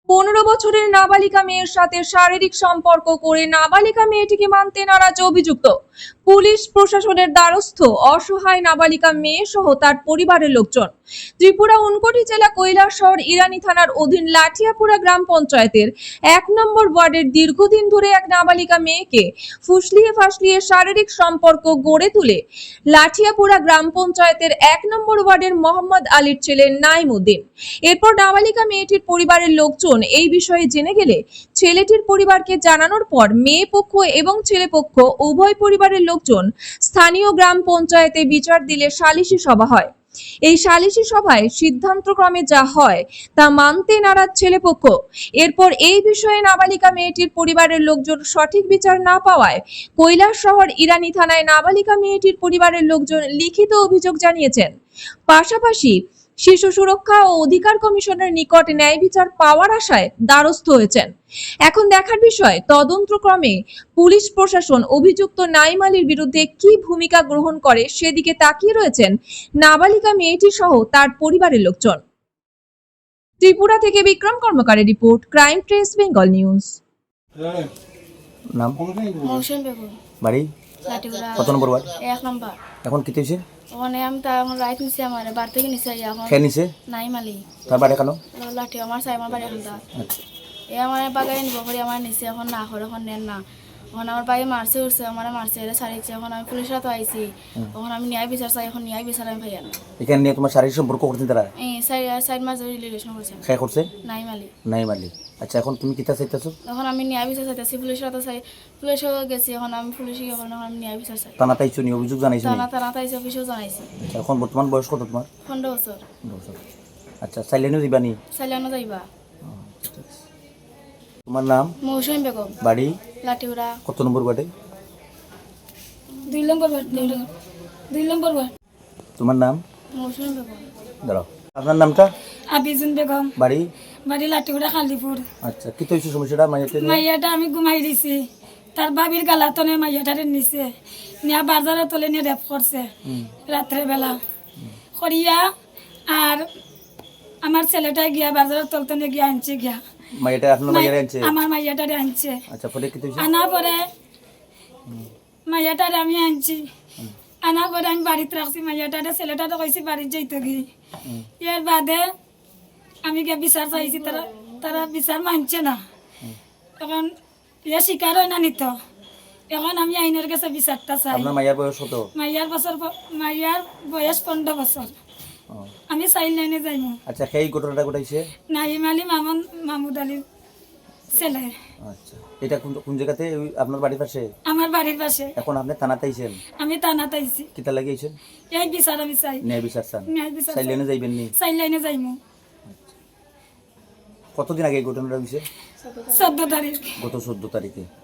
15 বছরের নাবালিকা মেয়ের সাথে শারীরিক সম্পর্ক করে নাবালিকা মেয়েটিকে মানতে নারাজ অভিযুক্ত। পুলিশ প্রশাসনের দ্বারস্থ অসহায় নাবালিকা মেয়ে সহ তার পরিবারের লোকজন। ত্রিপুরা ঊনকোটি জেলা কৈলাসহর ইরানি থানার অধীন লাঠিয়াপুরা গ্রাম পঞ্চায়েতের 1 নম্বর ওয়ার্ডের দীর্ঘদিন ধরে এক নাবালিকা মেয়েকে ফুসলিয়ে ফাসলিয়ে শারীরিক সম্পর্ক গড়ে তুলে লাঠিয়াপুরা গ্রাম পঞ্চায়েতের 1 নম্বর ওয়ার্ডের মোহাম্মদ আলীর ছেলে নাইমউদ্দিন। এরপর নাবালিকা মেয়েটির পরিবারের লোকজন এই বিষয়ে জেনে গেলে ছেলেটির পরিবারকে জানানোর পর মেয়ে পক্ষ এবং ছেলে পক্ষ উভয় পরিবারের লোকজন স্থানীয় গ্রাম পঞ্চায়েতে বিচার দিলে সালিশি সভা হয়। এই সালিশি সভায় সিদ্ধান্তক্রমে যা হয় তা মানতে নারাজ ছেলেপক্ষ। এরপর এই বিষয়ে নাবালিকা মেয়েটির পরিবারের লোকজন সঠিক বিচার না পাওয়ায় কৈলাসহর ইরানি থানায় নাবালিকা মেয়েটির পরিবারের লোকজন লিখিত অভিযোগ জানিয়েছেন। পাশাপাশি শিশু সুরক্ষা ও অধিকার কমিশনের নিকট ন্যায় বিচার পাওয়ার আশায় দ্বারস্থ হয়েছেন। এখন দেখার বিষয় তদন্তক্রমে পুলিশ প্রশাসন অভিযুক্ত নাইম আলীর বিরুদ্ধে কি ভূমিকা গ্রহণ করে সেদিকে তাকিয়ে রয়েছেন নাবালিকা মেয়েটি সহ তার পরিবারের লোকজন। ত্রিপুরা থেকে বিক্রম কর্মকারের report, crime press Bengal news. নাম মৌসুম বেগম, বাড়ি লাঠিগুড়া কত নম্বর ওয়ার্ড? 1 নম্বর। এখন কি হয়েছে? ওখানে আমি তা এখন রাইট নিছি, আমার বার থেকে নিছি এখন খেয়ে নিছে নাই মালি তার বাড়ি কেন? লাঠি আমার চাই আমার বাড়ি এখন তা আচ্ছা এ আমার বাগাই নিব করে আমার নিছে এখন না করে এখন নেন না। এখন আমার বাড়ি মারছে উঠছে, আমার মারছে এটা ছাড়িয়েছে। এখন আমি পুলিশের তো আইছি, এখন আমি ন্যায় বিচার চাই। এখন ন্যায় বিচার আমি ভাইয়া না। এখানে নিয়ে তোমার শারীরিক সম্পর্ক করছেন তারা? এই সাইড মাস ধরে রিলেশন করছে। খেয়ে করছে নাই মালি নাই মালি। আচ্ছা এখন তুমি কিতা চাইতেছো? এখন আমি ন্যায় বিচার চাইতেছি, পুলিশের তো চাই, পুলিশও গেছি। এখন আমি পুলিশে এখন আমি ন্যায় বিচার চাই। থানা তাইছো নি অভিযোগ জানাইছো নি? তারা তাইছে, অফিসেও জানাইছি। আচ্ছা, এখন বর্তমান বয়স কত তোমার? 15 বছর। বছর। আচ্ছা চাইলেনও দিবা নি? চাইলেও যাইবা। তোমার নাম? মৌসুম বেগম, বাড়ি লাঠিগুড়া কত নম্বর ওয়ার্ডে? 2 নম্বর ওয়ার্ড। 2 নম্বর ওয়ার্ড। তোমার নাম? মৌসুম বেগম। দাঁড়াও, আপনার নামটা? আবিজুন বেগম, বাড়ি বাড়ি লাঠিগুড়া খালিপুর। আচ্ছা কি হয়েছে সমস্যাটা? মাইয়াতে মাইয়াটা আমি ঘুমাই দিছি, তার বাবির গালাতনে মাইয়াটারে নিছে, নিয়া বাজারে তলে নিয়ে রেপ করছে রাত্রে বেলা করিয়া। আর আমার ছেলেটা গিয়া বাজারের তলতনে গিয়া আনছে, গিয়া মাইয়াটা আপনার মাইয়ারে আনছে? আমার মাইয়াটারে আনছে। আচ্ছা পরে কি হয়েছে? আনা পরে মাইয়াটারে আমি আনছি, আনা পরে আমি বাড়িতে রাখছি মাইয়াটারে। ছেলেটারে কইছি বাড়িতে যাইতে গিয়ে। এর বাদে আমি গিয়ে বিচার চাইছি, তারা বিচার মানছে না। এখন ইয়ে স্বীকার হয় না নিত। এখন আমি আইনের কাছে বিচারটা চাই। আপনার মাইয়ার বয়স কত? মাইয়ার বয়স 15 বছর। ও, আমি চাইল লাইনে যাইমু। আচ্ছা সেই ঘটনাটা ঘটাইছে? নাইম আলী মাহমুদ আলীর ছেলে। আচ্ছা এটা কোন কোন জায়গাতে? আপনার বাড়ির পাশে? আমার বাড়ির পাশে। এখন আপনি থানাতে আইছেন? আমি থানাতে আইছি। কিতা লাগিয়েছেন? এই বিচার আমি চাই। ন্যায় বিচার চান? ন্যায় বিচার চাই। চাইলেনে যাইবেন নি? চাইল লাইনে যাইমু। কতদিন আগে এই ঘটনাটা হয়েছে? 14 তারিখ। গত 14 তারিখে।